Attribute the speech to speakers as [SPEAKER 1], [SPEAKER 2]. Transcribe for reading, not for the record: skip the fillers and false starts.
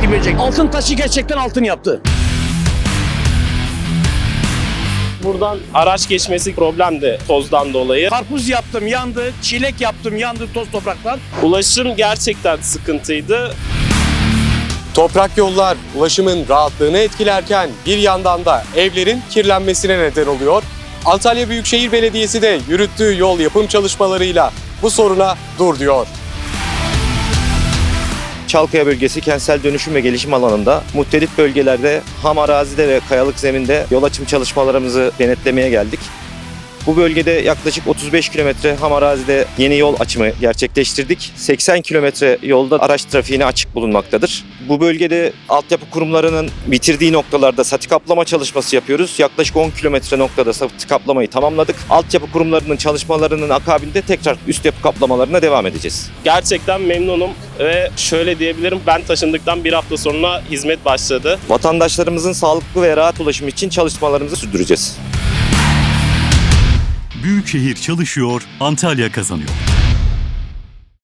[SPEAKER 1] kim verecek? Altın taşı gerçekten altın yaptı.
[SPEAKER 2] Buradan araç geçmesi problemdi tozdan dolayı.
[SPEAKER 1] Karpuz yaptım yandı, çilek yaptım yandı toz topraktan.
[SPEAKER 2] Ulaşım gerçekten sıkıntıydı.
[SPEAKER 3] Toprak yollar ulaşımın rahatlığını etkilerken bir yandan da evlerin kirlenmesine neden oluyor. Antalya Büyükşehir Belediyesi de yürüttüğü yol yapım çalışmalarıyla bu soruna dur diyor.
[SPEAKER 4] Çalkaya bölgesi kentsel dönüşüm ve gelişim alanında muhtelif bölgelerde ham arazide ve kayalık zeminde yol açım çalışmalarımızı denetlemeye geldik. Bu bölgede yaklaşık 35 kilometre ham arazide yeni yol açımı gerçekleştirdik. 80 kilometre yolda araç trafiğine açık bulunmaktadır. Bu bölgede altyapı kurumlarının bitirdiği noktalarda sati kaplama çalışması yapıyoruz. Yaklaşık 10 kilometre noktada sati kaplamayı tamamladık. Altyapı kurumlarının çalışmalarının akabinde tekrar üst yapı kaplamalarına devam edeceğiz.
[SPEAKER 2] Gerçekten memnunum ve şöyle diyebilirim, ben taşındıktan bir hafta sonra hizmet başladı.
[SPEAKER 4] Vatandaşlarımızın sağlıklı ve rahat ulaşımı için çalışmalarımızı sürdüreceğiz.
[SPEAKER 5] Büyükşehir çalışıyor, Antalya kazanıyor.